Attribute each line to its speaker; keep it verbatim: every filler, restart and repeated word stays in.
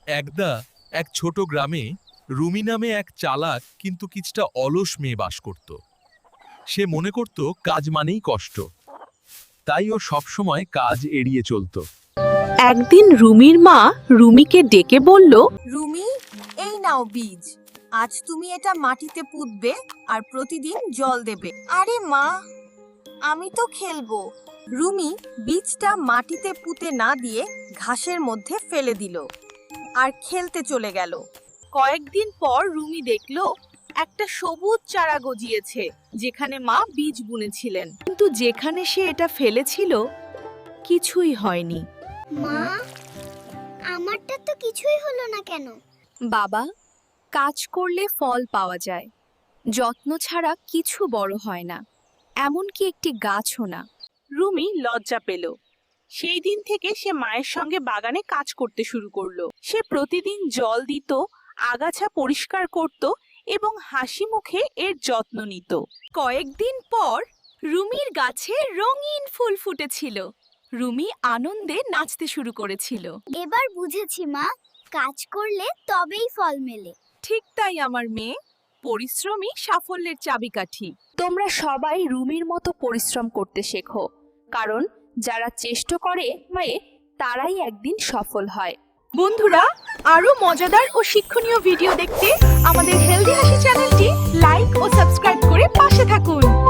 Speaker 1: একদা এক ছোট গ্রামে রুমি নামে এক চালাক কিন্তু কিছুটা অলস মেয়ে বাস করত। সে মনে করত কাজ মানেই কষ্ট, তাই ও সবসময় কাজ এড়িয়ে চলত।
Speaker 2: একদিন রুমির মা রুমিকে ডেকে বলল,
Speaker 3: রুমি, এই নাও বীজ। আজ তুমি এটা মাটিতে পুঁতবে আর প্রতিদিন জল দেবে। আরে মা, আমি তো খেলবো। রুমি বীজটা মাটিতে পুঁতে না দিয়ে ঘাসের মধ্যে ফেলে দিল আর খেলতে চলে গেল।
Speaker 2: কয়েকদিন পর রুমি দেখল একটা সবুজ চারা গজিয়েছে, যেখানে মা বীজ বুনেছিলেন। কিন্তু যেখানে সে এটা ফেলেছিল কিছুই হয়নি।
Speaker 4: মা, আমারটা তো কিছুই হলো না কেন?
Speaker 5: বাবা, কাজ করলে ফল পাওয়া যায়, যত্ন ছাড়া কিছু বড় হয় না, এমনকি একটি গাছও না।
Speaker 2: রুমি লজ্জা পেল। সেই দিন থেকে সে মায়ের সঙ্গে বাগানে কাজ করতে শুরু করলো। সে প্রতিদিন জল দিত, আগাছা পরিষ্কার করত এবং হাসি মুখে এর যত্ন নিত। কয়েকদিন পর রুমির গাছে রঙিন ফুল ফুটেছিল। রুমি আনন্দে নাচতে শুরু করেছিল।
Speaker 4: এবার বুঝেছি মা, কাজ করলে তবেই ফল মেলে।
Speaker 5: ঠিক তাই আমার মেয়ে, পরিশ্রমই সাফল্যের চাবিকাঠি। তোমরা সবাই রুমির মতো পরিশ্রম করতে শেখো, কারণ যারা চেষ্টা করে মানে তারাই একদিন সফল হয়।
Speaker 2: বন্ধুরা, আরো মজাদার ও শিক্ষণীয় ভিডিও দেখতে আমাদের হেলদি হাসি চ্যানেলটি লাইক ও সাবস্ক্রাইব করে পাশে থাকুন।